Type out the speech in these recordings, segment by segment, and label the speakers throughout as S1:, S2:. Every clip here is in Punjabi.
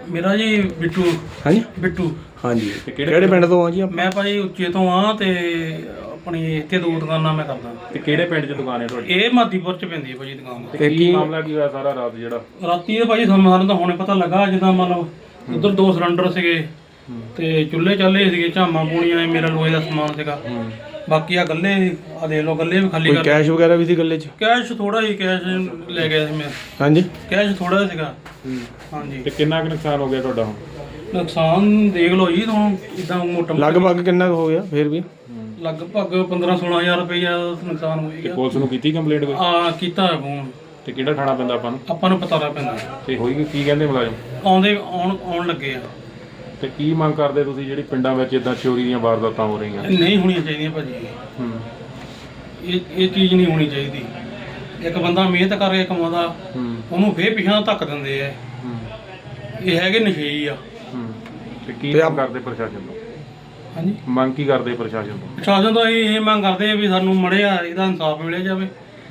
S1: ਮੇਰਾ ਜੀ ਬਿੱਟੂ।
S2: ਹਾਂਜੀ
S1: ਬਿੱਟੂ।
S2: ਹਾਂਜੀ ਕਿਹੜੇ ਪਿੰਡ ਤੋਂ ਆ ਜੀ
S1: ਮੈਂ ਭਾਜੀ ਉੱਚੇ ਤੋਂ ਆ ਤੇ ਆਪਣੀ ਇੱਥੇ ਦੋ ਦੁਕਾਨਾਂ ਮੈਂ ਕਰਦਾ।
S3: ਤੇ ਕਿਹੜੇ ਪਿੰਡ 'ਚ ਦੁਕਾਨ ਹੈ ਤੁਹਾਡੀ?
S1: ਇਹ ਮਾਦੀਪੁਰ 'ਚ ਪੈਂਦੀ ਹੈ ਭਾਜੀ ਦੁਕਾਨ।
S3: ਤੇ ਕੀ ਮਾਮਲਾ ਕੀ ਹੋਇਆ ਸਾਰਾ ਰਾਤ ਜਿਹੜਾ?
S1: ਰਾਤੀ ਇਹ ਭਾਜੀ ਸਾਨੂੰ ਤਾਂ ਹੁਣੇ ਪਤਾ ਲੱਗਾ, ਜਿੱਦਾਂ ਮਤਲਬ ਉਧਰ 2 ਸਿਲੰਡਰ ਸੀਗੇ ਤੇ ਚੁੱਲ੍ਹੇ ਚਾਲੇ ਸੀਗੇ, ਝਾਮਾਂ ਪੂਣੀਆਂ, ਮੇਰਾ ਲੋਹੇ ਦਾ ਸਮਾਨ ਸੀਗਾ। ਬਾਕੀ ਆ ਗੱਲੇ ਆ ਦੇਖ ਲਓ, ਗੱਲੇ ਵੀ ਖਾਲੀ ਕਰ।
S2: ਕੈਸ਼ ਵਗੈਰਾ ਵੀ ਸੀ ਗੱਲੇ 'ਚ?
S1: ਕੈਸ਼ ਥੋੜਾ ਹੀ ਕੈਸ਼ ਲੈ ਗਿਆ ਸੀ ਮੈਂ।
S2: ਹਾਂਜੀ
S1: ਕੈਸ਼ ਥੋੜਾ ਸੀਗਾ। ਹਾਂਜੀ।
S3: ਤੇ ਕਿੰਨਾ ਕੁ ਨੁਕਸਾਨ ਹੋ ਗਿਆ ਤੁਹਾਡਾ ਹੁਣ?
S1: ਨੁਕਸਾਨ ਦੇਖ ਲਓ ਜੀ, ਤੁਹਾਨੂੰ ਇਦਾਂ ਮੋਟਾ
S2: ਲਗਭਗ ਕਿੰਨਾ ਕੁ ਹੋ ਗਿਆ ਫਿਰ ਵੀ?
S1: ਲਗਭਗ 15-16 ਹਜ਼ਾਰ ਰੁਪਈਆ ਨੁਕਸਾਨ ਹੋ
S3: ਤੇ
S1: ਗਿਆ।
S3: ਪੁਲਿਸ ਨੂੰ ਕੀਤੀ ਕੰਪਲੇਂਟ ਕੋਈ?
S1: ਕੀਤਾ ਹੈ ਫੋਨ।
S3: ਤੇ ਕਿਹੜਾ ਥਾਣਾ ਪੈਂਦਾ ਆਪਾਂ ਨੂੰ?
S1: ਆਪਾਂ ਨੂੰ ਪਤਾ ਪੈਂਦਾ।
S3: ਤੇ ਹੋਈ ਕੀ ਕਹਿੰਦੇ ਮੁਲਾਜ਼ਮ?
S1: ਆਉਣ ਲੱਗੇ ਆ।
S3: ਤੇ ਕੀ ਮੰਗ ਕਰਦੇ ਤੁਸੀਂ ਜਿਹੜੀ ਪਿੰਡਾਂ ਵਿੱਚ ਇਦਾਂ ਚੋਰੀ ਦੀਆਂ ਵਾਰਦਾਤਾਂ ਹੋ ਰਹੀਆਂ?
S1: ਨਹੀਂ ਹੋਣੀਆਂ ਚਾਹੀਦੀਆਂ ਭਾਜੀ। ਇਹ ਚੀਜ਼ ਨਹੀਂ ਹੋਣੀ ਚਾਹੀਦੀ। ਇੱਕ ਬੰਦਾ ਮਿਹਨਤ ਕਰਕੇ ਕਮਾਉਂਦਾ, ਉਹਨੂੰ ਫੇਰ ਪਿਛਾਂ ਧੱਕ ਦਿੰਦੇ ਆ। ਇਹ ਹੈਗੇ ਨਸ਼ੇਈ ਆ।
S3: ਤੇ ਕੀ ਮੰਗ ਕਰਦੇ ਪ੍ਰਸ਼ਾਸਨ ਤੋਂ?
S1: ਹਾਂਜੀ,
S3: ਮੰਗ ਕੀ ਕਰਦੇ ਪ੍ਰਸ਼ਾਸਨ ਤੋਂ?
S1: ਪ੍ਰਸ਼ਾਸਨ ਤੋਂ ਇਹ ਮੰਗ ਕਰਦੇ ਆ ਵੀ ਸਾਨੂੰ ਮੜਿਆ ਇਹਦਾ ਇਨਸਾਫ ਮਿਲਿਆ ਜਾਵੇ,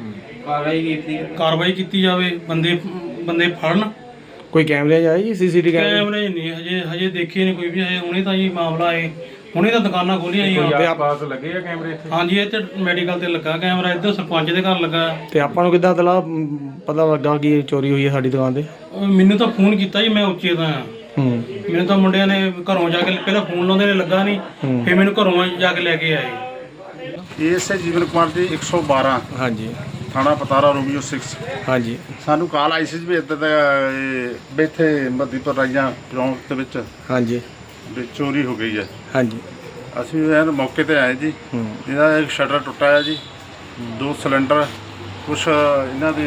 S1: ਕਾਰਵਾਈ ਕੀਤੀ ਜਾਵੇ, ਬੰਦੇ ਫੜਨ।
S2: ਕੋਈ ਕੈਮਰੇ ਜਾਏ ਜੀ? ਸੀਸੀਟੀਵੀ
S1: ਕੈਮਰੇ ਨਹੀਂ ਹਜੇ ਦੇਖੇ ਨਹੀਂ ਕੋਈ ਵੀ। ਹਜੇ ਹੁਣੇ ਤਾਂ ਜੀ ਮਾਮਲਾ ਹੈ, ਹੁਣੇ ਤਾਂ ਦੁਕਾਨਾਂ ਖੋਲੀਆਂ ਜੀ।
S3: ਤੇ ਆਸ-ਪਾਸ ਲੱਗੇ ਆ ਕੈਮਰੇ ਇੱਥੇ?
S1: ਹਾਂਜੀ, ਇੱਥੇ ਮੈਡੀਕਲ ਤੇ ਲੱਗਾ ਕੈਮਰਾ, ਇੱਧਰ ਸਰਪੰਚ ਦੇ ਘਰ ਲੱਗਾ।
S2: ਤੇ ਆਪਾਂ ਨੂੰ ਕਿੱਦਾਂ ਪਤਾ ਲੱਗਾ ਕਿ ਚੋਰੀ ਹੋਈ ਹੈ ਸਾਡੀ ਦੁਕਾਨ ਤੇ?
S1: ਮੈਨੂੰ ਤਾਂ ਫੋਨ ਕੀਤਾ ਜੀ, ਮੈਂ ਉੱਚੇ ਦਾ ਆ। ਮੈਨੂੰ ਤਾਂ ਮੁੰਡਿਆਂ ਨੇ ਘਰੋਂ ਜਾ ਕੇ ਪਹਿਲਾਂ ਫੋਨ ਲਾਉਂਦੇ ਨੇ, ਲੱਗਾ ਨਹੀਂ, ਫਿਰ ਮੈਨੂੰ ਘਰੋਂ ਜਾ ਕੇ ਲੈ ਕੇ ਆਏ।
S4: ਇਸ ਜੀਵਨ ਕੁਮਾਰ ਜੀ 112।
S2: ਹਾਂਜੀ।
S4: ਥਾਣਾ ਪਤਾਰਾ ਰੋਮੀਓ 6।
S2: ਹਾਂਜੀ।
S4: ਸਾਨੂੰ ਕਾਲ ਆਈ ਸੀ ਵੀ ਇੱਦਾਂ ਦਾ ਇੱਥੇ ਮਦੀਪੁਰ ਰਾਈਆਂ ਚੌਂਕ ਦੇ ਵਿੱਚ
S2: ਹਾਂਜੀ
S4: ਵੀ ਚੋਰੀ ਹੋ ਗਈ ਹੈ।
S2: ਹਾਂਜੀ।
S4: ਅਸੀਂ ਇਹ ਮੌਕੇ ਤੇ ਆਏ ਜੀ। ਇਹਦਾ ਇੱਕ ਸ਼ਟਰ ਟੁੱਟਾ ਹੈ ਜੀ, 2 ਸਿਲੰਡਰ, ਕੁਛ ਇਹਨਾਂ ਦੇ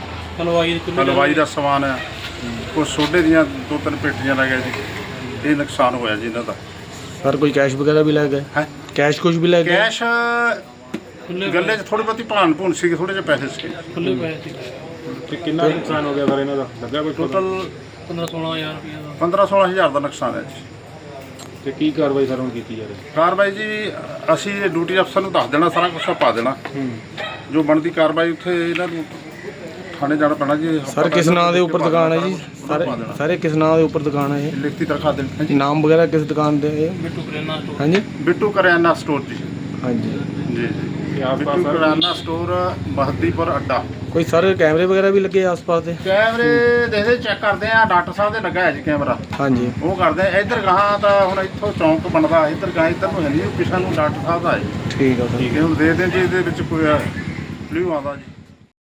S4: ਹਲਵਾਈ ਦਾ ਸਮਾਨ ਹੈ, ਕੁਛ ਸੋਡੇ ਦੀਆਂ 2-3 ਪੇਟੀਆਂ ਲੈ ਗਏ ਜੀ। ਇਹ ਨੁਕਸਾਨ ਹੋਇਆ ਜੀ ਇਹਨਾਂ ਦਾ।
S2: ਸਰ ਕੋਈ ਕੈਸ਼ ਵਗੈਰਾ ਵੀ ਲੈ ਗਏ?
S4: ਹੈ
S2: ਕੈਸ਼ ਕੁਝ ਵੀ ਲੈ ਗਏ?
S4: ਕੈਸ਼ ਗੱਲੇ 'ਚ ਥੋੜੀ ਬਹੁਤੀ ਭਾਣ ਭੂਣ ਸੀ, ਥੋੜੇ ਜਿਹੇ ਪੈਸੇ ਸੀ।
S1: ਖੁੱਲੇ ਪਏ ਸੀ।
S3: ਤੇ ਕਿੰਨਾ ਨੁਕਸਾਨ ਹੋ ਗਿਆ ਸਰ ਇਹਨਾਂ ਦਾ? ਲੱਗਾ ਕੋਈ
S4: ਟੋਟਲ
S1: 15-16 ਹਜ਼ਾਰ ਰੁਪਈਆ ਦਾ।
S4: 15-16 ਹਜ਼ਾਰ ਦਾ ਨੁਕਸਾਨ ਹੈ ਜੀ।
S3: ਤੇ ਕੀ ਕਾਰਵਾਈ ਸਰ ਹੁਣ ਕੀਤੀ ਜਾ ਰਹੀ?
S4: ਕਾਰਵਾਈ ਜੀ ਅਸੀਂ ਡਿਊਟੀ ਅਫਸਰ ਨੂੰ ਦੱਸ ਦੇਣਾ, ਸਾਰਾ ਕੁਝ ਪਾ ਦੇਣਾ। ਜੋ ਬਣਦੀ ਕਾਰਵਾਈ ਉੱਥੇ ਇਹਨਾਂ ਨੂੰ ਥਾਣੇ ਜਾਣਾ ਪੈਣਾ ਜੀ।
S2: ਸਰ ਕਿਸ ਨਾਂ ਦੇ ਉੱਪਰ ਦੁਕਾਨ ਹੈ ਜੀ? ਸਾਰੇ ਕਿਸ ਨਾਂ ਦੇ ਉੱਪਰ ਦੁਕਾਨ ਹੈ ਇਹ?
S4: ਲਿਖਤੀ ਤਰਖਾ ਦੇਣੀ ਜੀ।
S2: ਨਾਮ ਵਗੈਰਾ ਕਿਸ ਦੁਕਾਨ ਦੇ ਹੈ?
S1: ਬਿੱਟੂ ਕਰਿਆਨਾ ਸਟੋਰ।
S2: ਹਾਂਜੀ,
S4: ਬਿੱਟੂ ਕਰਿਆਨਾ ਸਟੋਰ ਜੀ।
S2: ਹਾਂਜੀ
S4: ਜੀ ਜੀ। ਬਿੱਟੂ ਕਰਿਆਨਾ ਸਟੋਰ, ਮਹਦੀਪੁਰ ਅੱਡਾ।
S2: ਕੋਈ ਸਰ ਕੈਮਰੇ ਵਗੈਰਾ ਵੀ ਲੱਗੇ ਆਸ-ਪਾਸ ਦੇ?
S4: ਕੈਮਰੇ ਦੇਖਦੇ ਚੈੱਕ ਕਰਦੇ ਆ। ਡਾਕਟਰ ਸਾਹਿਬ ਦੇ ਲੱਗਾ ਹੈ ਜੀ ਕੈਮਰਾ।
S2: ਹਾਂਜੀ, ਉਹ
S4: ਕਰਦੇ ਆ। ਇੱਧਰ ਗਾਹਾਂ ਤਾਂ ਹੁਣ ਇੱਥੋਂ ਚੌਂਕ ਬਣਦਾ, ਇੱਧਰ ਗਾਹਾਂ ਇੱਧਰ ਨੂੰ ਹੈ ਨਹੀਂ, ਪਿਛਾ ਨੂੰ ਡਾਕਟਰ ਸਾਹਿਬ ਦਾ ਹੈ।
S2: ਠੀਕ ਆ ਸਰ।
S4: ਠੀਕ ਹੈ, ਹੁਣ ਦੇਖਦੇ ਜੀ ਇਹਦੇ ਵਿੱਚ ਕੋਈ ਕਲਿਊ ਆਉਂਦਾ ਜੀ।